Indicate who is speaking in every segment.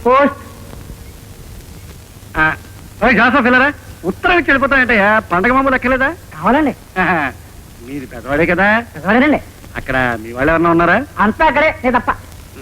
Speaker 1: Post.
Speaker 2: Joseph వెళ్ళరా? ఉత్తరం ఇచ్చి వెళ్ళిపోతానంటయ్యా. పండగ మామూలు ఎక్కలేదా?
Speaker 1: కావాలండి.
Speaker 2: మీరు పెద్దవాడే కదా.
Speaker 1: పెద్దవాడేనండి.
Speaker 2: అక్కడ మీ వాళ్ళు ఎవరన్నా ఉన్నారా?
Speaker 1: అంతా అక్కడే, నేను తప్ప.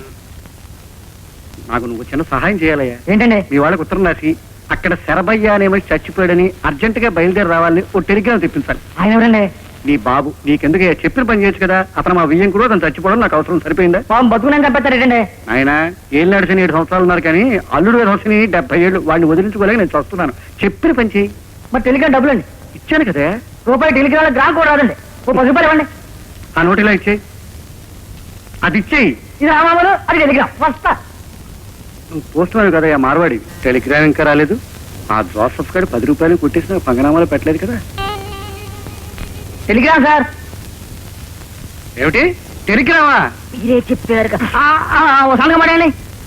Speaker 2: నాకు నువ్వు చిన్న సహాయం చేయాలయ్యా.
Speaker 1: ఏంటండి?
Speaker 2: మీ వాళ్ళకి ఉత్తరం రాసి అక్కడ శరభయ్య అనేమో చచ్చిపోయాడని అర్జెంట్ గా బయలుదేరి రావాలని ఓ టెలిగ్రామ్ తెప్పించాలి.
Speaker 1: ఆయన ఎవరండి?
Speaker 2: నీ బాబు. నీకెందుకు చెప్పిన పని చేయొచ్చు కదా. అతను మా వియ్యం కూడా అతను చచ్చిపోవడం నాకు అవసరం. సరిపోయిందా?
Speaker 1: పాపం బతుకుని చంపేస్తారేంటండి?
Speaker 2: ఆయన ఏళ్ళు నడిచిన 7 సంవత్సరాలు ఉన్నారు కానీ అల్లుడు గారు వచ్చిన 70 ఏళ్ళు. వాడిని వదిలించుకోలేక నేను చూస్తున్నాను. చెప్పిన పని చేయి.
Speaker 1: మరి టెలిగ్రామ్ డబ్బులండి
Speaker 2: ఇచ్చాను కదా.
Speaker 1: రూపాయి టెలిగ్రామ్ గ్రామ్ కూడా రాదండి. ఓ 10 రూపాయలు ఇవ్వండి.
Speaker 2: ఆ నోటిలా ఇచ్చేయి. అది ఇచ్చేయి.
Speaker 1: ఇది రామాలు, అది టెలిగ్రామ్. వస్తా.
Speaker 2: నువ్వు పోస్ట్ మ్యాన్ కదా మార్వాడి. టెలిగ్రామ్ ఇంకా రాలేదు. ఆ జోసఫ్ గారు 10 రూపాయలు కొట్టేసిన పంగనామాలు పెట్టలేదు కదా.
Speaker 1: Telegram sir.
Speaker 2: ఏమిటి టెలిగ్రామా?
Speaker 1: మీరే చెప్పారు కదా. ఓ సంగం పడండి.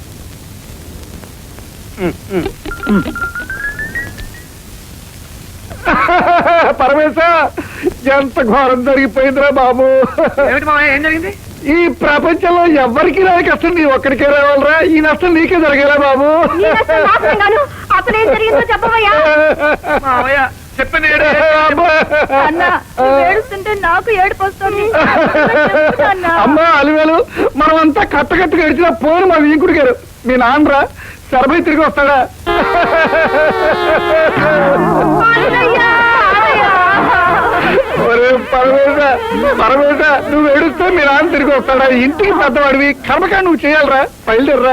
Speaker 3: పరమేశ, ఎంత ఘోరం జరిగిపోయిందిరా బాబు.
Speaker 2: ఏమిటి మావయ్య, ఏం జరిగింది?
Speaker 3: ఈ ప్రపంచంలో ఎవరికి రాని కష్టం నీ ఒక్కడికే రావాలరా. ఈ నష్టం నీకే జరిగేలా బాబు.
Speaker 1: అసలు ఏం జరిగిందో చెప్పవయ్యా.
Speaker 2: మావయ్య చెప్పండి.
Speaker 1: ఏడుస్తుంటే నాకు ఏడుపు వస్తుంది.
Speaker 3: అమ్మా అలివేలు, మనం అంతా కట్టకట్టుగా గడిచిన పోను మా వీంకుడు గారు. మీ నాన్నరా శరభై తిరిగి వస్తాడా? పరమేశ, పరమేశ, నువ్వు ఏడుస్తే మీ నాన్న తిరిగి వస్తాడా? ఇంటికి పెద్దవాడివి, కర్మకా నువ్వు చేయాలరా. బయలుదేరరా.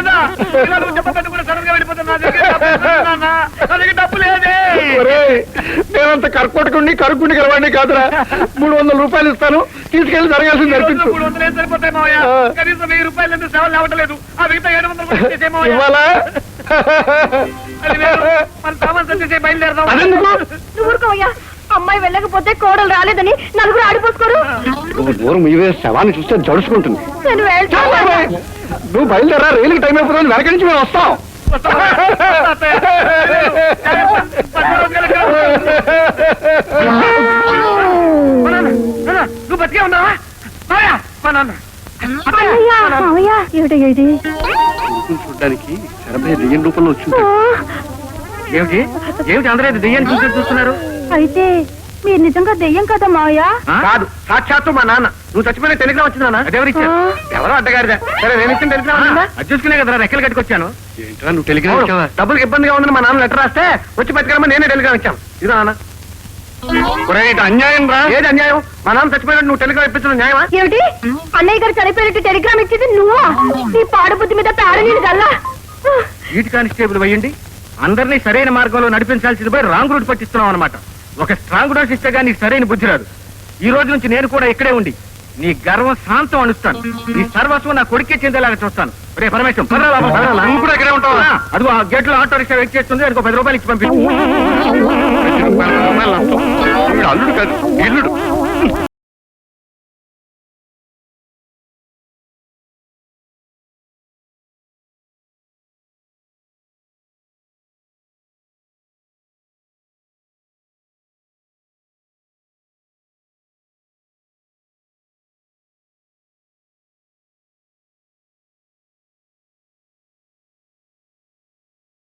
Speaker 3: నేనంత కర్కోటకుండి కరుక్కుండి గెలవాడిని కాదురా. 300 రూపాయలు ఇస్తాను, తీసుకెళ్లి జరగాల్సింది జరిపించు. ఇవ్వాలా? అదెందుకు?
Speaker 1: అమ్మాయి వెళ్ళకపోతే కోడలు రాలేదని నలుగురు ఆడిపోసుకోరు.
Speaker 2: దూరం ఇవే శవాన్ని చూస్తే జడుచుకుంటుంది.
Speaker 3: నువ్వు బయలుదేరా. రైలుకి టైం అయిపోతుంది. వెనక నుంచి మేము వస్తాం.
Speaker 2: నువ్వు బతికే ఉన్నావా? చూడడానికి శరభయ్య దెయ్యం రూపంలో వచ్చింది. ఏమిటి ఏమిటి అందరూ దెయ్యాన్ని చూస్తున్నారు?
Speaker 1: అయితే మీరు నిజంగా దెయ్యం కదా మావయ్య?
Speaker 2: కాదు, సాక్షాత్తు మా నాన్న. నువ్వు చచ్చిపోయిన టెలిగ్రామ్ వచ్చిందా? అదెవరిచ్చారు? ఎవరో అడ్డగారిదా? సరే, నేను ఇచ్చిన టెలిగ్రామ్ అది చూసుకునే కదా రెక్కలు కట్టుకొచ్చాను. ఏంటో నువ్వు టెలిగ్రామ్ ఇచ్చావా? డబ్బులకు ఇబ్బందిగా ఉందని మా నాన్న లెటర్ రాస్తే వచ్చి బతికరమ్మని నేనే టెలిగ్రామ్ ఇచ్చాను. ఇదో నాన్న. అన్యాయం రా. ఏది అన్యాయం? మా నాన్న చచ్చిపోయినట్టు నువ్వు టెలిగ్రామ్ ఇప్పించడం న్యాయమా?
Speaker 1: ఏమిటి? అన్నయ్య గారు చనిపోయినట్టు టెలిగ్రామ్ ఇచ్చింది నువ్వా? నీ పాడు బుద్ధి మీద పేడ నీళ్ళు గల్లా.
Speaker 2: ఈటి కానిస్టేబుల్ వేయండి. అందరినీ సరైన మార్గంలో నడిపించాల్సింది పోయి రాంగ్ రూట్ పట్టిస్తున్నావు అనమాట. ఒక స్ట్రాంగ్ డోస్ ఇస్తే గానీ నీకు సరైన బుద్ధి రాదు. ఈ రోజు నుంచి నేను కూడా ఇక్కడే ఉండి నీ గర్వం శాంతం అనుస్తాను. నీ సర్వస్వం నా కొడుకే చెందేలాగా చూస్తాను. రే పరమేశ్వరం, నువ్వు కూడా ఇక్కడే ఉంటావు. అదిగో ఆ గేట్ లో ఆటో రిక్షా వెయిట్ చేస్తుంది. అదిగో 10 రూపాయలు ఇచ్చి పంపించు. అల్లుడు కాదు, ఇల్లుడు.